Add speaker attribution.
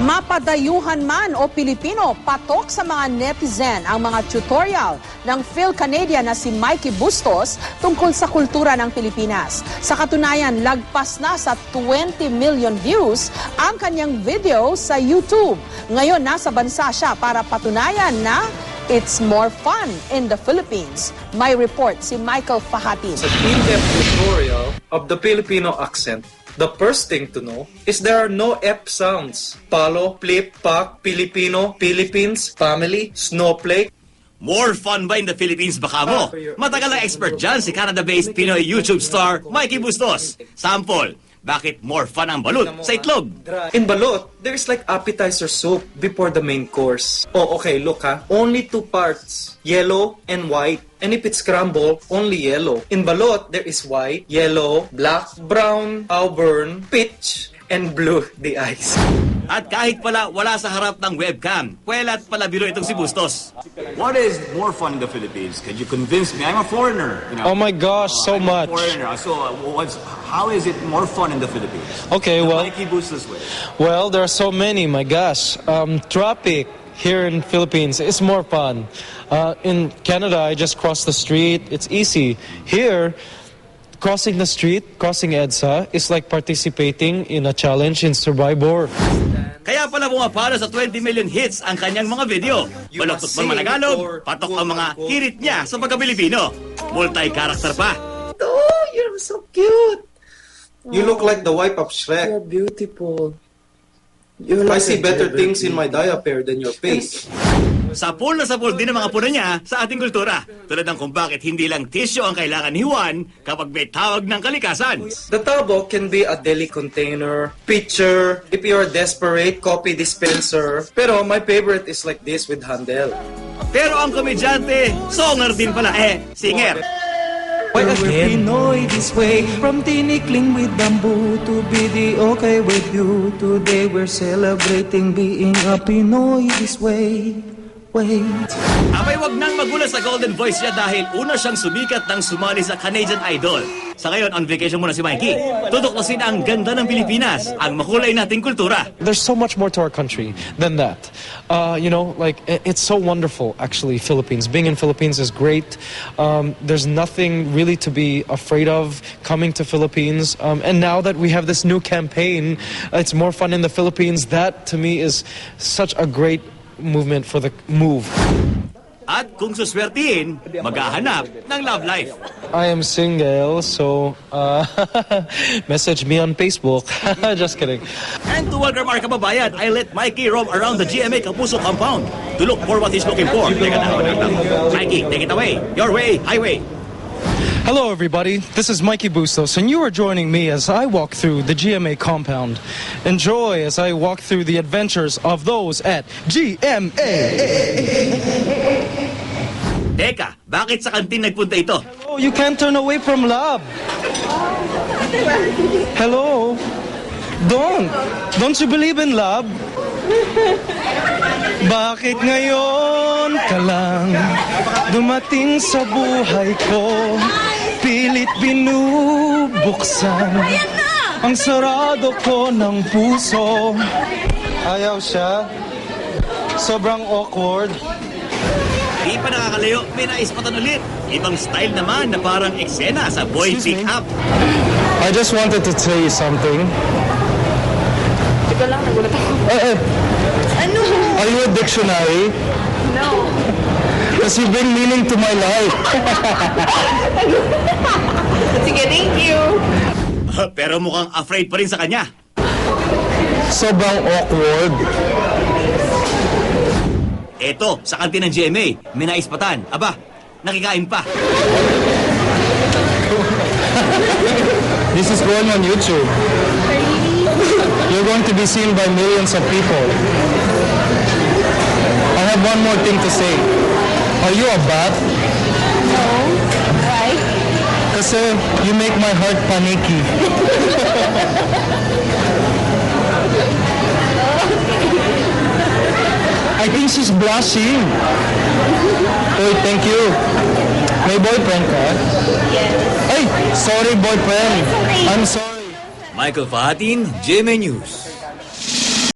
Speaker 1: Mapadayuhan man o Pilipino, patok sa mga netizen ang mga tutorial ng Phil-Canadian na si Mikey Bustos tungkol sa kultura ng Pilipinas. Sa katunayan, lagpas na sa 20 million views ang kanyang video sa YouTube. Ngayon, nasa bansa siya para patunayan na it's more fun in the Philippines. May report si Michael Fahatin.
Speaker 2: Sa in-depth tutorial of the Filipino accent, the first thing to know is there are no F sounds. Palo, flip, pak, Filipino, Philippines, family, snowflake.
Speaker 3: More fun ba in the Philippines baka mo? Matagal na expert dyan si Canada-based Pinoy YouTube star Mikey Bustos. Sample, bakit more fun ang balut sa itlog?
Speaker 2: In balut, there is like appetizer soup before the main course. Oh, okay, look ha. Only two parts, yellow and white. And if it's scrambled, only yellow. In balot, there is white, yellow, black, brown, auburn, peach, and blue, the eyes.
Speaker 3: At kahit pala wala sa harap ng webcam, pwelat pala biro itong si Bustos.
Speaker 4: What is more fun in the Philippines? Can you convince me? I'm a foreigner. You know?
Speaker 5: Oh my gosh, so
Speaker 4: I'm
Speaker 5: much.
Speaker 4: A foreigner. So how is it more fun in the Philippines?
Speaker 5: Okay, well,
Speaker 4: Mikey Bustos way.
Speaker 5: Well, there are so many. My gosh, traffic here in Philippines is more fun. In Canada, I just cross the street. It's easy. Here, crossing the street, crossing EDSA, is like participating in a challenge in Survivor.
Speaker 3: Kaya pala pumapalo sa 20 million hits ang kanyang mga video. Baloktot man Managalog, patok ang mga hirit niya sa pagka-Pilipino. Multi-character pa.
Speaker 2: Oh, you're so cute. You look like the wife of Shrek.
Speaker 6: You're beautiful.
Speaker 2: I see better things in my diaper than your face.
Speaker 3: Sapul na sapul din ang mga puna niya sa ating kultura. Tulad ng kung bakit hindi lang tissue ang kailangan ni Juan kapag may tawag ng kalikasan.
Speaker 2: The tabo can be a deli container, pitcher, if you're desperate, coffee dispenser. Pero my favorite is like this with handle.
Speaker 3: Pero ang komedyante, songer din pala singer.
Speaker 6: Why again? Pinoy this way, from tinikling with bamboo to be the okay with you. Today we're celebrating being a Pinoy this way. Wait.
Speaker 3: Abay, wag nang magulat sa golden voice niya dahil una siyang sumikat nang sumali sa Canadian Idol. Sa ngayon, on vacation muna si Mikey. Tutuklasin ang ganda ng Pilipinas, ang makulay nating kultura.
Speaker 5: There's so much more to our country than that. It's so wonderful, actually, Philippines. Being in Philippines is great. There's nothing really to be afraid of coming to Philippines. And now that we have this new campaign, it's more fun in the Philippines. That, to me, is such a great movement for the move.
Speaker 3: At kung suswertihin, maghahanap ng love life.
Speaker 5: I am single, so message me on Facebook. Just kidding.
Speaker 3: And to welcome our kababayan, I let Mikey roam around the GMA Kapuso compound to look for what he's looking for. Teka lang. Mikey, take it away. Your way, highway.
Speaker 5: Hello everybody, this is Mikey Bustos and you are joining me as I walk through the GMA compound. Enjoy as I walk through the adventures of those at GMA.
Speaker 3: Teka, bakit sa kantin nagpunta ito?
Speaker 5: Oh, you can't turn away from love. Hello? Don't you believe in love? Bakit ngayon ka lang dumating sa buhay ko? Pilit binubuksan ang sarado ko ng puso. Ayaw siya. Sobrang awkward.
Speaker 3: Di pa nakakalayo, may naispatan ulit. Ibang style naman na parang eksena sa boy pick-up.
Speaker 5: I just wanted to tell you something.
Speaker 7: Teka lang, nagulat ako. Ano?
Speaker 5: Are you a dictionary?
Speaker 7: No.
Speaker 5: Because you bring meaning to my life.
Speaker 7: Sige, thank you.
Speaker 3: Pero mukhang afraid pa rin sa kanya.
Speaker 5: Sobrang awkward.
Speaker 3: Eto, sa kantin ng GMA, may naispatan. Aba, nakikain pa.
Speaker 5: This is going on YouTube. You're going to be seen by millions of people. I have one more thing to say. Are you a bat?
Speaker 7: No. Why?
Speaker 5: Kasi you make my heart panicky. I think she's blushing. Hey, thank you. May boyfriend ka?
Speaker 7: Yes.
Speaker 5: Hey, sorry boyfriend. I'm sorry.
Speaker 3: Michael Fahatin, GMA News.